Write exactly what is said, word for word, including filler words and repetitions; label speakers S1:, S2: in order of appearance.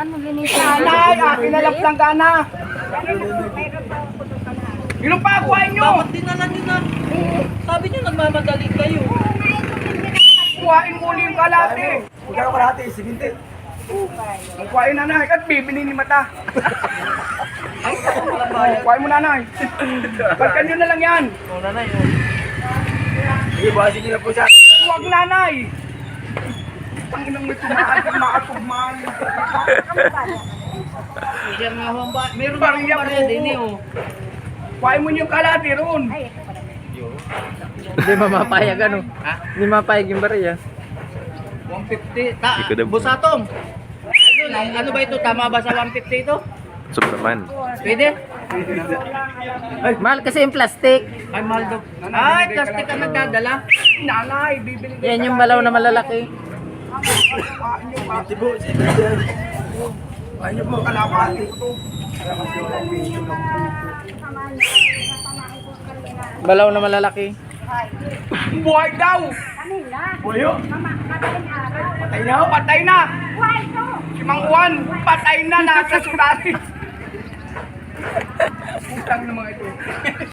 S1: ano, linisin.
S2: Nanay, akin na lang lang gana. Yung pa kuhain nyo?
S3: Bakit dinala nyo na? Sabi nyo nagmamadali kayo.
S2: Kuhain muli yung kalate. Kaya kalate, sigintin. Ang kuhain nanay, at bibili ni mata. Kuhain mo nanay. Pagkan nyo na lang yan.
S3: O nanay, o.
S2: Sige, buhasin nyo na po siya. Huwag nanay. Tanginang may tumaan, tumaan,
S3: Diyan nga ho ang ba? Meron
S2: Parang
S3: akong
S2: yan,
S3: barya
S2: oo.
S3: din eh, o.
S2: Kuhain mo yung kalate ron.
S4: Hindi mamapayag ano.
S3: Ha?
S4: Hindi mapayag yung bariya.
S3: one fifty. Ta,
S5: Ikaw daw.
S3: Busatong. Idol, ano ba ito? Tama ba sa one fifty ito?
S5: Sob naman.
S3: Pwede?
S4: Mahal kasi yung plastic.
S3: Ay, mahal daw. Ay, plastic ang nagdadala.
S2: Nanay, bibili ko
S4: Yan yung balaw na malalaki.
S2: kuhain nyo. Tibo, sigintin. Kuhain nyo po kalapati ko to.
S4: Balaw na malalaki.
S2: Buhay daw! Buhayo! Patay na, patay na! Si Mang Juan, patay na, nasa sudali. Putang na mga ito.